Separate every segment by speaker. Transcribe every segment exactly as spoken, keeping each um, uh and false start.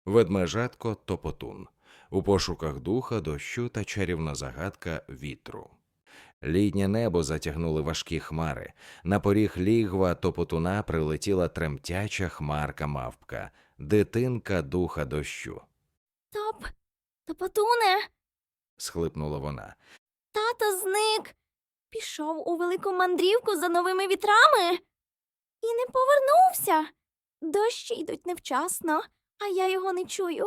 Speaker 1: Ведмежатко Топотун. У пошуках духа, дощу та чарівна загадка вітру. Літнє небо затягнули важкі хмари. На поріг лігва Топотуна прилетіла тремтяча хмарка-мавпка, дитинка духа дощу.
Speaker 2: Топ, Топотуне,
Speaker 1: Схлипнула вона.
Speaker 2: тато зник. Пішов у велику мандрівку за новими вітрами і не повернувся. Дощі йдуть невчасно, а я його не чую.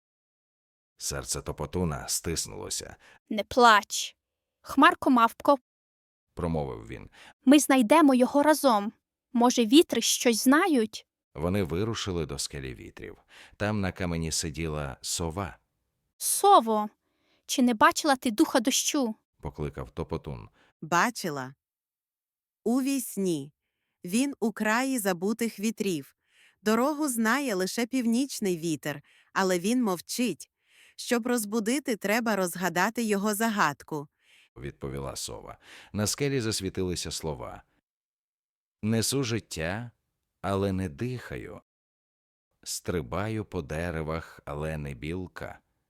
Speaker 1: Серце Топотуна стиснулося,
Speaker 3: Не плач. Хмарко, мавпко,
Speaker 1: промовив він.
Speaker 3: ми знайдемо його разом. Може, вітри щось знають?
Speaker 1: Вони вирушили до скелі вітрів. Там на камені сиділа сова,
Speaker 3: Сово, чи не бачила ти духа дощу?
Speaker 1: покликав Топотун.
Speaker 4: Бачила. У вісні. Він у краї забутих вітрів. Дорогу знає лише північний вітер, але він мовчить. Щоб розбудити, треба розгадати його загадку.
Speaker 1: Відповіла сова. На скелі засвітилися слова. Несу життя, але не дихаю. Стрибаю по деревах, але не білка.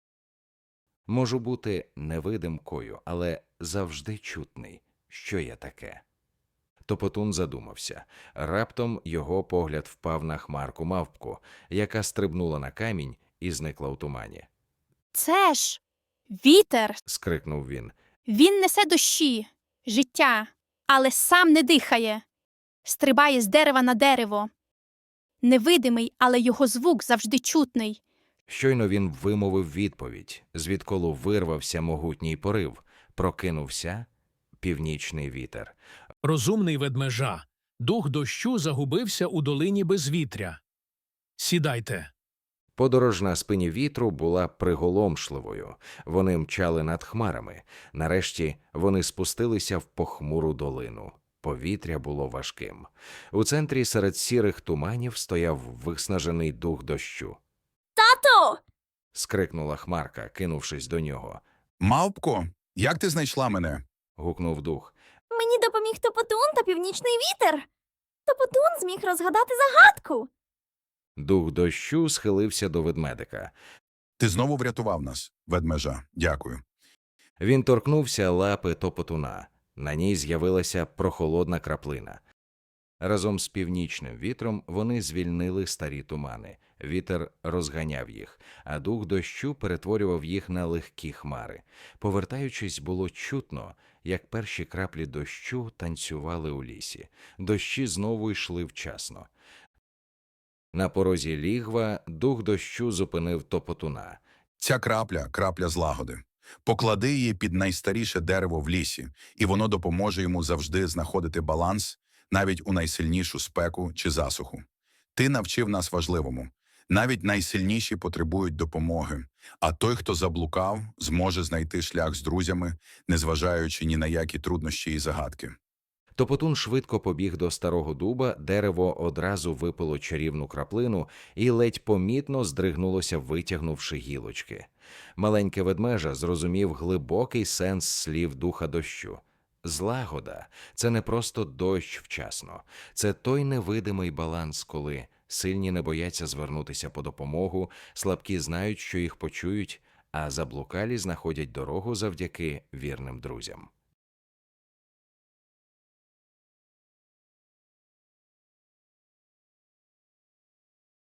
Speaker 1: Можу бути невидимкою, але завжди чутний. Що я таке? Топотун задумався. Раптом його погляд впав на хмарку-мавпку, яка стрибнула на камінь і зникла у тумані.
Speaker 3: Це ж вітер.
Speaker 1: Скрикнув він.
Speaker 3: Він несе дощі, життя, але сам не дихає. Стрибає з дерева на дерево. Невидимий, але його звук завжди чутний.
Speaker 1: Щойно він вимовив відповідь, звідколи вирвався могутній порив, прокинувся північний вітер.
Speaker 5: Розумний ведмежа, дух дощу загубився у долині безвітря. Сідайте.
Speaker 1: Подорож на спині вітру була приголомшливою. Вони мчали над хмарами. Нарешті вони спустилися в похмуру долину. Повітря було важким. У центрі серед сірих туманів стояв виснажений дух дощу.
Speaker 2: Тато!
Speaker 1: Скрикнула хмарка, кинувшись до нього.
Speaker 6: Мавпко, як ти знайшла мене?
Speaker 1: Гукнув дух.
Speaker 2: Мені допоміг Топотун та північний вітер. Топотун зміг розгадати загадку.
Speaker 1: Дух дощу схилився до ведмедика.
Speaker 6: Ти знову врятував нас, ведмежа. Дякую.
Speaker 1: Він торкнувся лапи Топотуна. На ній з'явилася прохолодна краплина. Разом з північним вітром вони звільнили старі тумани. Вітер розганяв їх, а дух дощу перетворював їх на легкі хмари. Повертаючись, було чутно, як перші краплі дощу танцювали у лісі. Дощі знову йшли вчасно. На порозі лігва дух дощу зупинив Топотуна.
Speaker 6: Ця крапля – крапля злагоди. Поклади її під найстаріше дерево в лісі, і воно допоможе йому завжди знаходити баланс, навіть у найсильнішу спеку чи засуху. Ти навчив нас важливому. Навіть найсильніші потребують допомоги, а той, хто заблукав, зможе знайти шлях з друзями, незважаючи ні на які труднощі і загадки.
Speaker 1: Топотун швидко побіг до старого дуба, дерево одразу випило чарівну краплину і ледь помітно здригнулося, витягнувши гілочки. Маленьке ведмежа зрозумів глибокий сенс слів духа дощу. Злагода – це не просто дощ вчасно. Це той невидимий баланс, коли сильні не бояться звернутися по допомогу, слабкі знають, що їх почують, а заблукалі знаходять дорогу завдяки вірним друзям.